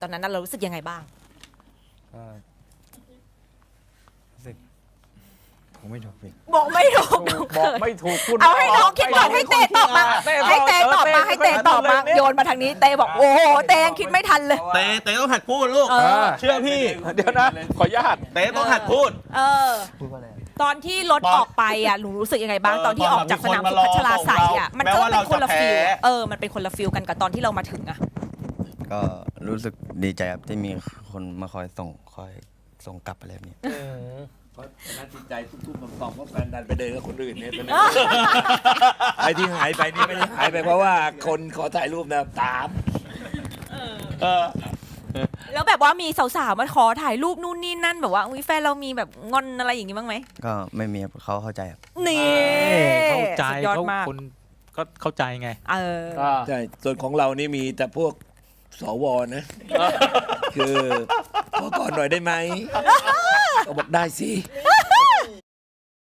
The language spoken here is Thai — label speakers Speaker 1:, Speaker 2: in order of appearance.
Speaker 1: ตอนนั้นเรารู้สึกยังไงบ้าง
Speaker 2: ก็รู้สึกผมไม่ถูกพี่
Speaker 1: บอกไม่ถูก
Speaker 3: บอกไม่ถูกคุณ
Speaker 1: เอาให้น้องคิดก่อนให้เตตอบมาให้เตตอบมาให้เตตอบมาโยนมาทางนี้เตบอกโอ้โหเตยังคิดไม่ทันเลย
Speaker 4: เตต้องหัดพูดลูก เชื่อพี่
Speaker 3: เดี๋ยวนะขออนุญาต
Speaker 4: เตต้องหัดพูด
Speaker 2: พูดว่าอะไร
Speaker 1: ตอนที่รถออกไปอ่ะหนูรู้สึกยังไงบ้างตอนที่ออกจากสนามสุพัชราไสยอ่ะมันก็เป็นคนละฟิลมันเป็นคนละฟิลกันกับตอนที่เรามาถึงอ่ะ
Speaker 2: ก็รู้สึกดีใจครับที่มีคนมาคอยส่งกลับอะไรแบบนี้
Speaker 5: เพราะฉะนั้นจิตใจทุ่มๆต่อมๆเพราะแฟนดันไปเดินกับคนอื่นเนี่ยตอนนี้ ไอ้ที่หายไปนี่ไม่ได้หายไปเพราะว่าคนขอถ่ายรูปนะตาม
Speaker 1: แล้วแบบว่ามีสาวๆมาขอถ่ายรูปนู่นนี่นั่นแบบว่าอุ้ยแฟนเรามีแบบงอนอะไรอย่างงี้บ้างไหม
Speaker 2: ก็ไม่มีครับเขาเข้าใจครับ
Speaker 1: นี่
Speaker 6: เข้าใจ
Speaker 1: สุดยอด
Speaker 6: เขา
Speaker 1: มาก
Speaker 6: คนก็เข้าใจไง
Speaker 5: ใช่ส่วนของเรานี่มีแต่พวกสวนะ คือขอก่อนหน่อยได้ไหมก็บอกได้สิ